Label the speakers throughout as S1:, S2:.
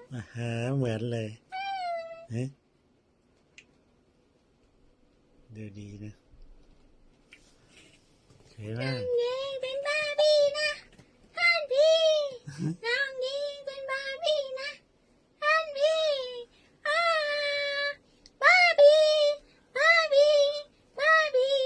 S1: เหมือนเลยเฮ้ดูดีนะสวยมาก
S2: นี่เป็นบาร์บี้นะท่านพี่น้องนี่เป็นบาร์บี้นะท่านพี่บาร์บี้บาร์บี้บาร์บี้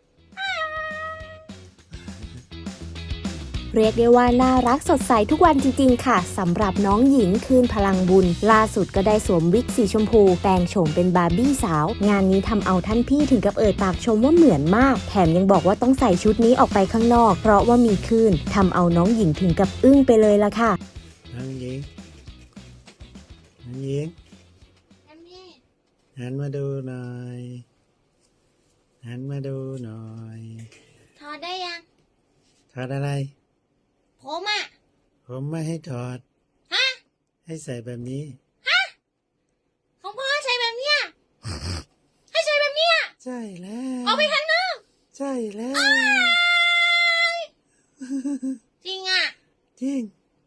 S2: เรียกได้ว่าน่ารักสดใสทุกวันจริงๆค่ะสำหรับน้องหญิงคืนพลังบุญล่าสุดก็ได้สวมวิกสีชมพูแปลงโฉมเป็นบาร์บี้สาวงานนี้ทำเอาท่านพี่ถึงกับเอ่ยปากชมว่าเหมือนมากแถมยังบอกว่าต้องใส่ชุดนี้ออกไปข้างนอกเพราะว่ามีคลื่นทำเอาน้องหญิงถึงกับอึ้งไปเลยล่ะค่ะ
S1: น้องหญิงหันมาดูหน่อยหันมาดูหน่อย
S2: ถอดได้ยัง
S1: ถอดอะไร
S2: ผม
S1: ไม่ให้ถอด
S2: ฮะ
S1: ให้ใส่แบบนี้
S2: ของพ่อใส่แบบเนี้ยให้ใส่แบบเนี้ย
S1: ใช่แล้ว
S2: ออกไปข้างนอก
S1: ใช่แล้ว
S2: จริงอ่ะ
S1: จริง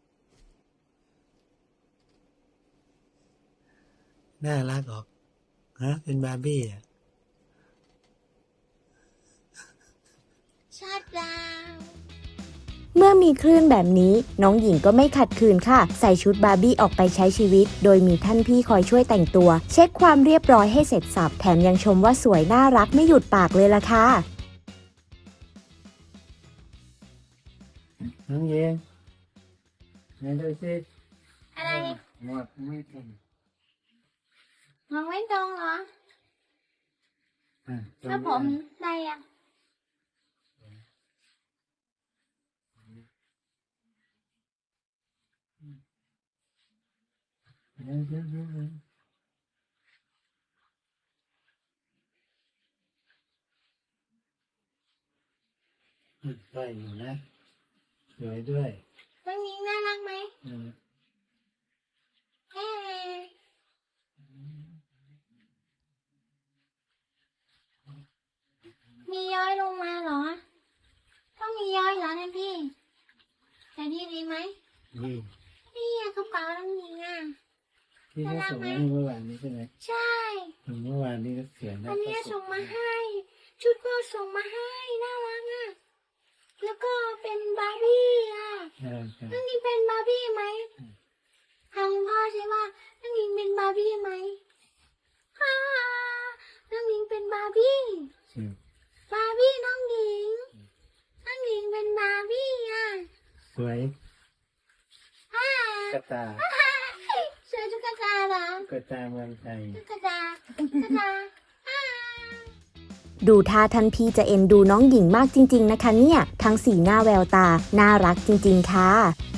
S1: น่ารักออกเป็นบาร์บี้
S2: ชัดดาว
S3: เมื่อมีคลื่นแบบนี้น้องหญิงก็ไม่ขัดขืนค่ะใส่ชุดบาร์บี้ออกไปใช้ชีวิตโดยมีท่านพี่คอยช่วยแต่งตัวเช็คความเรียบร้อยให้เสร็จสับแถมยังชมว่าสวยน่ารักไม่หยุดปากเลยล่ะค่ะ
S1: น้องเย็นไหนดูสิ
S2: อะไร
S1: หมวกไม่ตรง
S2: มองไม่ตรงเหรอถ้าผมได้ยัง
S1: ใส่อยู่นะสวยด้วย
S2: น้องหญิงน่ารักไหมมีย้อยลงมาเหรอต้องมีย้อยเหรอท่านพี่แต่ดีไหมนี่กระเป๋าน้องหญิงอ่ะ
S1: ที่เขาส่งมาให้เมื่อวานนี้ใช่ไหม
S2: ใช่
S1: เมื่อวานนี้ก็เสียงนะ
S2: อันนี้ส่งมาให้ชุดก็ส่งมาให้น่ารักอ่ะแล้วก็เป็นบาร์บี้อ่ะน้องหญิงเป็นบาร์บี้ไหมถามพ่อใช่ว่าน้องหญิงเป็นบาร์บี้ไหมน้องหญิงเป็นบาร์บี้บาร์บี้น้องหญิงเป็นบาร์บี้อ่ะ
S1: สวยกระตา
S2: สวยตุ๊กตาเหรอก
S1: ระตาเมืองไทย
S2: ตุ๊กตา
S3: ดูท่าท่านพี่จะเอ็นดูน้องหญิงมากจริงๆนะคะเนี่ยทั้งสีหน้าแววตาน่ารักจริงๆค่ะ